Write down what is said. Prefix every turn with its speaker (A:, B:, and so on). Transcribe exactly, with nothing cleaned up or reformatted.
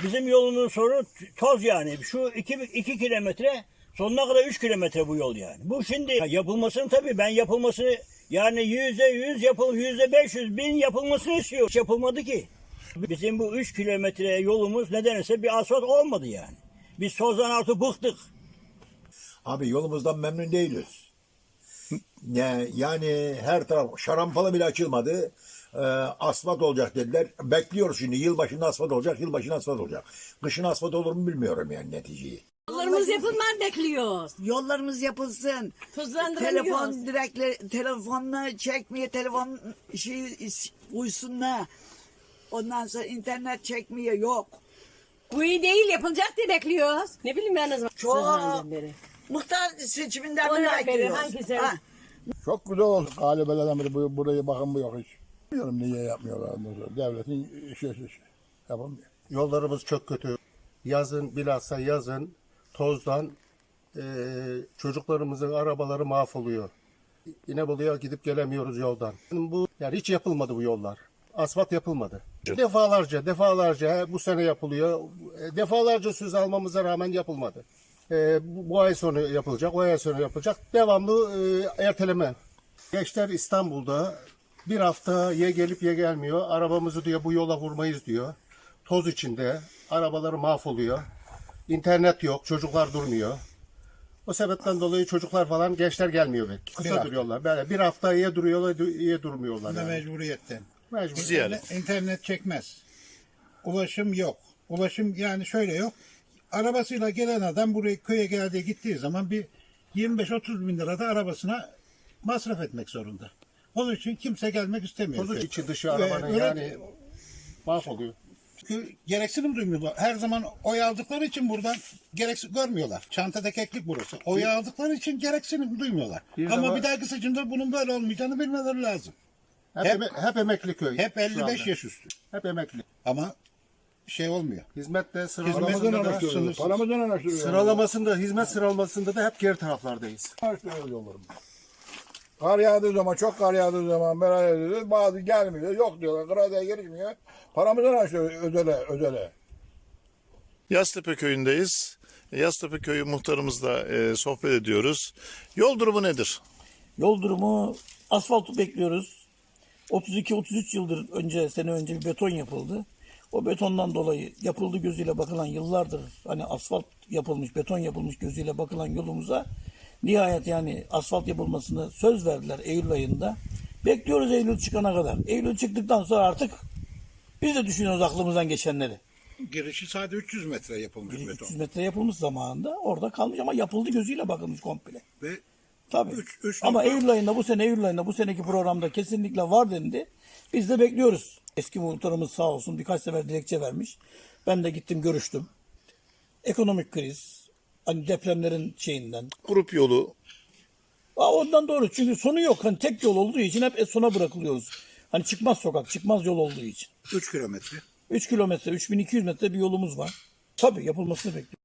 A: Bizim yolunun sonu toz yani. Şu iki, iki kilometre sonuna kadar üç kilometre bu yol yani. Bu şimdi yapılmasını tabii ben yapılmasını yani yüzde yüz yapıl yüzde beş yüz bin yapılmasını istiyor. Hiç yapılmadı ki. Bizim bu üç kilometre yolumuz nedense bir asfalt olmadı yani. Biz tozdan artık bıktık.
B: Abi yolumuzdan memnun değiliz. Ne, yani her taraf şarampalı bile açılmadı. Ee, asfalt olacak dediler. Bekliyoruz şimdi. Yılbaşında asfalt olacak, yılbaşında asfalt olacak. Kışın asfalt olur mu bilmiyorum yani neticeyi.
C: Yollarımız yapılman bekliyoruz.
D: Yollarımız yapılsın.
C: Tuzlandıramıyoruz.
D: Telefon direkle telefonla çekmeye telefon şey uysunlar. Ondan sonra internet çekmeye yok.
C: Bu iyi değil yapılacak diye bekliyoruz. Ne bileyim ben o zaman.
D: Çok
C: Zamandan beri.
D: muhtar seçiminden
C: Ondan
D: beri
C: beri
D: bekliyoruz.
C: hangisi?
D: Ha,
E: Çok güzel oldu. Galibeleden beri bu, burayı bakın bu yok hiç. Bilmiyorum niye yapmıyorlar. ondan sonra. Devletin işi işi işi. Yapamıyor.
F: Yollarımız çok kötü. Yazın bilhassa yazın tozdan eee, çocuklarımızın arabaları mahvoluyor. İnebolu'ya gidip gelemiyoruz yoldan. Bu yani hiç yapılmadı bu yollar. Asfalt yapılmadı. Defalarca defalarca bu sene yapılıyor. E, Defalarca söz almamıza rağmen yapılmadı. E, bu, bu ay sonu yapılacak, o ay sonu yapılacak. Devamlı e, erteleme. Gençler İstanbul'da bir hafta ya gelip ya gelmiyor. Arabamızı diyor bu yola vurmayız diyor. Toz içinde. Arabaları mahvoluyor. İnternet yok. Çocuklar durmuyor. O sebepten dolayı çocuklar falan gençler gelmiyor belki. Kısa
G: hafta.
F: duruyorlar. Böyle bir hafta ya duruyorlar ya durmuyorlar.
G: Bu da
F: Yani.
G: mecburiyetten.
F: Mecbur.
G: İnternet, internet çekmez. Ulaşım yok. Ulaşım yani şöyle yok. Arabasıyla gelen adam buraya köye geldiği gittiği zaman bir yirmi beş otuz bin lira da arabasına masraf etmek zorunda. Onun için kimse gelmek istemiyor.
F: Tozu
G: köye.
F: içi dışı
G: Ve
F: arabanın
G: öyle-
F: yani mahvoluyor.
G: Çünkü gereksinim duymuyorlar. Her zaman oy aldıkları için buradan gereksiz görmüyorlar. Çantada keklik burası. Oy aldıkları için gereksinim duymuyorlar.
F: Bir
G: Ama
F: de
G: bir dahaki seçimde bunun böyle olmayacağını bilmeleri lazım.
F: Hep,
G: Hep-
F: eme- hep emekli köy.
G: Hep
F: şu
G: elli beş
F: anda.
G: yaş üstü.
F: Hep emekli.
G: Ama şey olmuyor.
F: Hizmet de
G: Hizmet-
F: sıralamasında da,
G: sınırsız.
E: Paramızdan Paramızdan araştırıyor.
F: sıralamasında, hizmet sıralamasında da hep geri taraflardayız.
E: Araştırıyoruz yollarımızı. Kar yağdığı zaman, çok kar yağdığı zaman beraber ediyoruz. Bazı gelmiyor, yok diyorlar. Kıraateye girişmiyor. Paramızdan araştırıyor özele, özele.
H: Yaztepe köyündeyiz. Yaztepe köyü muhtarımızla e, sohbet ediyoruz. Yol durumu nedir?
I: Yol durumu asfaltı bekliyoruz. otuz iki otuz üç yıldır önce sene önce bir beton yapıldı. O betondan dolayı yapıldı gözüyle bakılan yıllardır hani asfalt yapılmış, beton yapılmış gözüyle bakılan yolumuza nihayet yani asfalt yapılmasını söz verdiler Eylül ayında. Bekliyoruz Eylül çıkana kadar. Eylül çıktıktan sonra artık biz de düşünüyoruz aklımızdan geçenleri.
G: Girişi sadece üç yüz metre yapılmış beton.
I: üç yüz metre yapılmış zamanında orada kalmış ama yapıldı gözüyle bakılmış komple.
G: Ve
I: Tabii.
G: Üç- üç
I: Ama
G: nokta-
I: Eylül ayında bu sene Eylül ayında bu seneki programda kesinlikle var dendi. Biz de bekliyoruz. Eski muhtarımız sağ olsun birkaç sefer dilekçe vermiş. Ben de gittim görüştüm. Ekonomik kriz, hani depremlerin şeyinden.
H: Grup yolu.
I: Aa, ondan doğru çünkü sonu yok. Hani tek yol olduğu için hep sona bırakılıyoruz. Hani çıkmaz sokak, çıkmaz yol olduğu için.
G: üç kilometre.
I: üç kilometre, üç bin iki yüz metre bir yolumuz var. Tabii yapılmasını bekliyoruz.